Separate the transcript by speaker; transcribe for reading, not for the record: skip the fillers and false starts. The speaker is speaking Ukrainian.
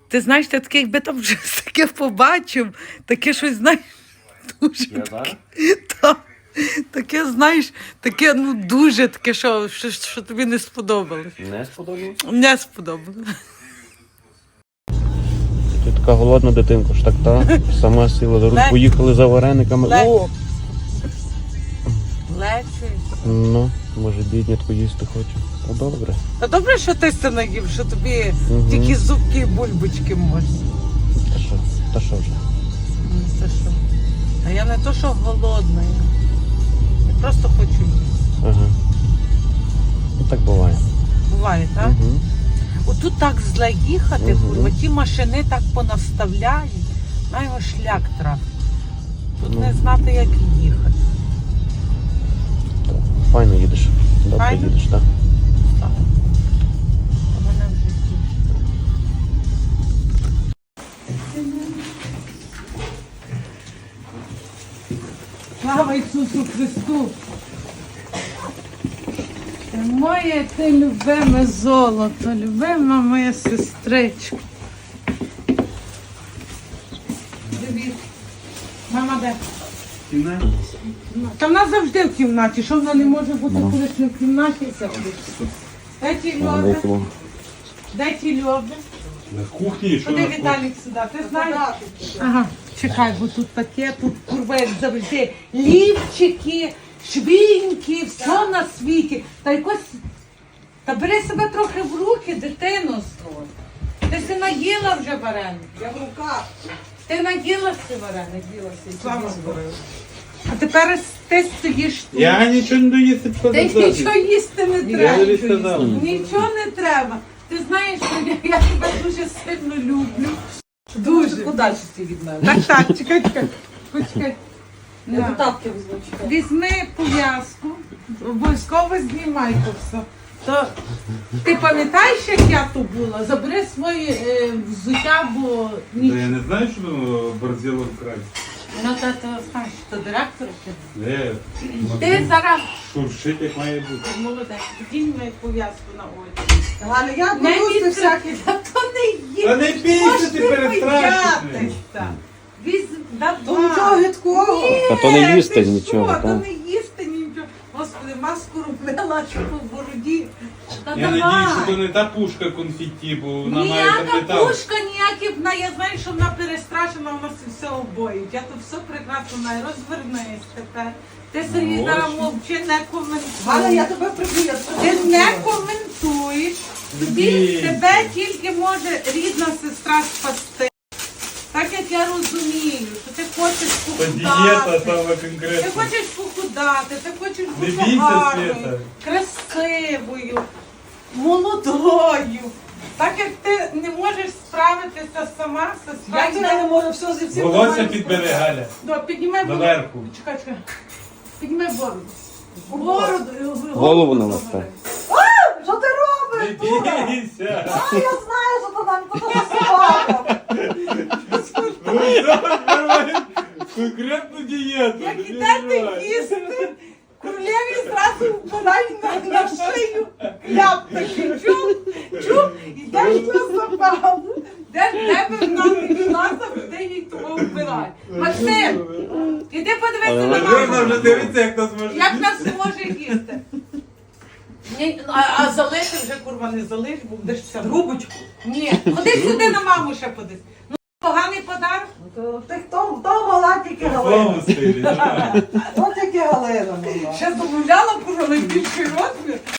Speaker 1: Ти знаєш, ти таке, якби там щось таке побачив, таке щось, знаєш, дуже таке, таке, знаєш, таке, ну, дуже таке, що тобі не сподобалось.
Speaker 2: Не сподобалось?
Speaker 1: Не сподобалось.
Speaker 2: Ти така голодна дитинка, ж так та? Сама сіла за руль, поїхали за варениками. О!
Speaker 1: Лечий.
Speaker 2: Ну, може біднятку їсти хоче. Та добре.
Speaker 1: Та добре, що ти це наїв, що тобі тільки зубки і бульбочки можна.
Speaker 2: Та що вже?
Speaker 1: Це що? А я не то, що голодна. Я просто хочу їсти.
Speaker 2: Ага. Ну так буває.
Speaker 1: Буває, так?
Speaker 2: Угу.
Speaker 1: Отут так зле їхати, курва, ті машини так понаставляють. На його шлях трафить. Тут не знати, як їхати.
Speaker 2: Файно їдеш. Добре
Speaker 1: Файно?
Speaker 2: їдеш, так?
Speaker 1: Так. А мене вже тішить. Слава Ісусу Христу! Моє ти любиме золото, любима моя сестричка. Привіт. Мама де? Та вона завжди в кімнаті. Що вона не може бути, коли ти в кімнаті сидиш? Де ті Льоби? Де ті Льоби?
Speaker 3: На кухні, що
Speaker 1: Куди
Speaker 3: на
Speaker 1: Віталік сюди? Ти знаєш? Ага, чекай, бо тут таке, тут курва, як завжди. Лівчики, швіньки, все на світі. Та якось... Та бери себе трохи в руки, дитину. Ти си наїла вже вареник.
Speaker 4: Я в руках.
Speaker 1: Ти наїлася вареник, ділася. Слава Богу. А тепер ти стоїш тут.
Speaker 3: Я нічого не доїсти
Speaker 1: Ти нічого їсти не
Speaker 3: Я
Speaker 1: треба.
Speaker 3: тобі сказав.
Speaker 1: Нічого не треба. Ти знаєш, що я тебе дуже сильно люблю. Дуже.
Speaker 4: Куди ти від мене?
Speaker 1: Так, чекай. Почекай.
Speaker 4: Я
Speaker 1: На.
Speaker 4: до тапки візьму, чекай.
Speaker 1: Візьми пов'язку, обов'язково знімай то все. То, ти пам'ятаєш, як я тут була? Забери своє взуття, бо
Speaker 3: Та я не знаю, що борзіло вкрай.
Speaker 1: Ну, та знаєш, то директор ти.
Speaker 3: Не,
Speaker 1: Ти зараз
Speaker 3: шуршить, як має бути.
Speaker 1: молодець, підінь мою пов'язку на очі.
Speaker 4: Галя, я
Speaker 1: Не
Speaker 4: боюся всякі.
Speaker 1: відкрити, та то не є.
Speaker 3: Та не бійся, ти перестрашиш.
Speaker 1: боятися. Давай.
Speaker 4: То нічого гидкого.
Speaker 2: Та то не їсти
Speaker 1: ти що,
Speaker 2: нічого,
Speaker 1: то
Speaker 2: так?
Speaker 1: не їсти нічого. Господи, маску робила, що по бороді. Та
Speaker 3: Я
Speaker 1: давай.
Speaker 3: надіюсь, що то не та пушка конфетті, бо вона має
Speaker 1: Ніяка
Speaker 3: там метал.
Speaker 1: пушка, ніякі, я знаю, що вона перестрашена, вона все обоїть. Я тут все прекрасно знаю. Розвернись тепер. Ти Сергій
Speaker 3: Ну,
Speaker 1: зараз
Speaker 3: ось.
Speaker 1: мовчи, не
Speaker 4: Галя, я
Speaker 1: коментуєш.
Speaker 4: тебе приб'ю.
Speaker 1: Ти не коментуєш. Тебе тільки може рідна сестра спасти. Так як я розумію, що ти хочеш
Speaker 3: Та дієта
Speaker 1: похудати.
Speaker 3: саме
Speaker 1: Ти
Speaker 3: конкретно.
Speaker 1: хочеш похудати, ти хочеш
Speaker 3: Не
Speaker 1: бути
Speaker 3: бійся,
Speaker 1: гарною,
Speaker 3: Свята.
Speaker 1: красивою, молодою. Так як ти не можеш справитися сама, сестра.
Speaker 4: Я тебе не можу все зі всім.
Speaker 3: Волосся
Speaker 4: нормально
Speaker 3: підбери, Галя.
Speaker 1: Піднімай бороду.
Speaker 3: Доверху.
Speaker 1: Чекай. Піднімай бороду.
Speaker 2: Голову навести.
Speaker 4: Що ти
Speaker 3: Не
Speaker 4: робиш? дура?
Speaker 3: бійся.
Speaker 4: А, я знаю, що то нам то собака.
Speaker 3: Конкретну дієту.
Speaker 1: Як
Speaker 3: не
Speaker 1: ідете
Speaker 3: переживай.
Speaker 1: їсти, королеві зразу впадають на шию. Кляп такий, чув, ідеш на западу, де би вона не йшла, завжди їй того вбирає. Максим, іди подивися на
Speaker 3: Вона
Speaker 1: маму.
Speaker 3: вже дивиться, як нас може
Speaker 1: Як нас не може їсти? Ні, а залиши вже, курва, не залиш, бо будеш вся.
Speaker 4: Трубочку.
Speaker 1: Ні, ходи сюди на маму ще подивись. Ну, поганий подарок.
Speaker 4: Ти хто мала тільки
Speaker 3: в
Speaker 4: Галина?
Speaker 3: тому стилі. давай.
Speaker 4: Хто тільки Галина мала?
Speaker 1: Ще замовляла, курва, найбільший розмір.